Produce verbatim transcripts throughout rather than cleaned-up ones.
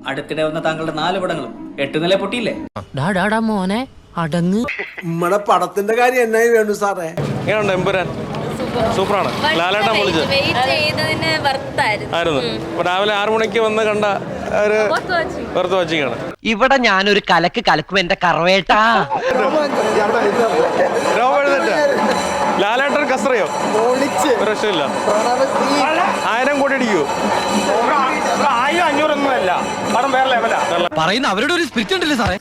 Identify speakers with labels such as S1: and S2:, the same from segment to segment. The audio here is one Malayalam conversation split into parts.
S1: അടുത്തിടെ വന്ന താങ്കളുടെ നാല് പടങ്ങളും എട്ട് നില പൊട്ടിയില്ലേ?
S2: മോനെ അടങ്ങ്.
S3: നമ്മടെ പടത്തിന്റെ കാര്യം എന്നായി വേണു സാറേ?
S4: എങ്ങനെയുണ്ട് എമ്പുരാൻ? സൂപ്പറാണ്. ലാലേട്ടൻ പൊളിച്ച് ആയിരുന്നു. ഇപ്പൊ രാവിലെ ആറു മണിക്ക് വന്ന് കണ്ട ഒരു വെറുതെ വാച്ചിങ്ങാണ്.
S2: ഇവിടെ ഞാനൊരു കലക്ക് കലക്കും എന്റെ കറവേട്ടാ.
S4: ലാലേട്ടൻ കസറിയോ? ഒരു രക്ഷയില്ല. ആയിരം കോടി അടിക്കൂ. ആയിരം അഞ്ഞൂറൊന്നും അല്ല, പടം വേറെ ലെവലാ.
S2: പറയുന്ന അവരുടെ ഒരു സ്പിരിറ്റ് ഉണ്ടല്ലേ സാറേ.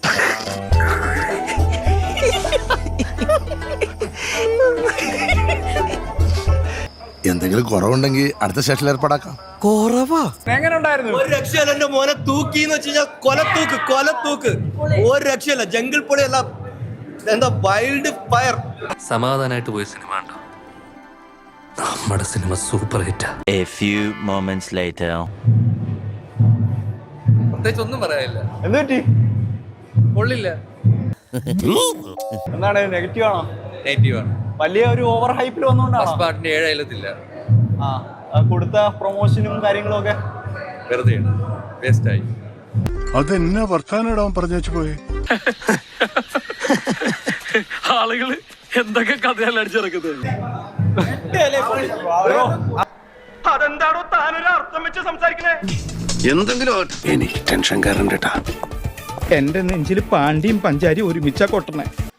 S5: എന്തെങ്കിലും കുറവുണ്ടെങ്കിൽ അടുത്ത സ്റ്റേഷനിൽ ഏർപ്പാടാക്കാം.
S2: കുറവാ?
S4: എങ്ങനെ ഉണ്ടായിരുന്നു?
S3: ഒരു രക്ഷയല്ല എന്റെ മോനെ തൂക്കിന്ന് വെച്ച് കഴിഞ്ഞാൽ കൊലത്തൂക്ക് കൊലത്തൂക്ക് ഒരു രക്ഷയല്ല. ജംഗിൾ പൊളിയല്ല, എന്താ വൈൽഡ് ഫയർ.
S6: സമാധാനായിട്ട് പോയ സിനിമ ഉണ്ടോ? നമ്മുടെ സിനിമ സൂപ്പർ ഹിറ്റാ.
S7: A few moments later.
S6: പ്രത്യേകിച്ച് ഒന്നും പറയാനില്ല.
S4: എന്ത് പറ്റി?
S6: കൊള്ളില്ല.
S4: എന്താണ് നെഗറ്റീവ് ആണോ?
S6: നെഗറ്റീവ് ആണ്.
S4: വലിയ ഒരു ഓവർ ഹൈപ്പിൽ വന്നുകൊണ്ടാണ്
S6: ഫസ്റ്റ് പാർട്ടിന്റെ ഏഴ് അയലത്തില്ല.
S4: ആ കൊടുത്ത പ്രൊമോഷനും കാര്യങ്ങളും ഒക്കെ
S6: വെറുതെ വേസ്റ്റ് ആയി.
S5: അതെന്നാ വർത്താനം പറഞ്ഞു വെച്ചു പോയി.
S6: ആളുകള് എന്തൊക്കെ കഥയല്ല അടിച്ചിറക്കുന്നത്.
S4: അതെന്താണോ താനൊരു അർത്ഥം വെച്ച് സംസാരിക്കണേ?
S5: എന്തെങ്കിലും എനിക്ക് ടെൻഷൻ കാരണം കേട്ടാ.
S8: എന്റെ നെഞ്ചിൽ പാണ്ടിയും പഞ്ചാരി ഒരുമിച്ച കൊട്ടണേ.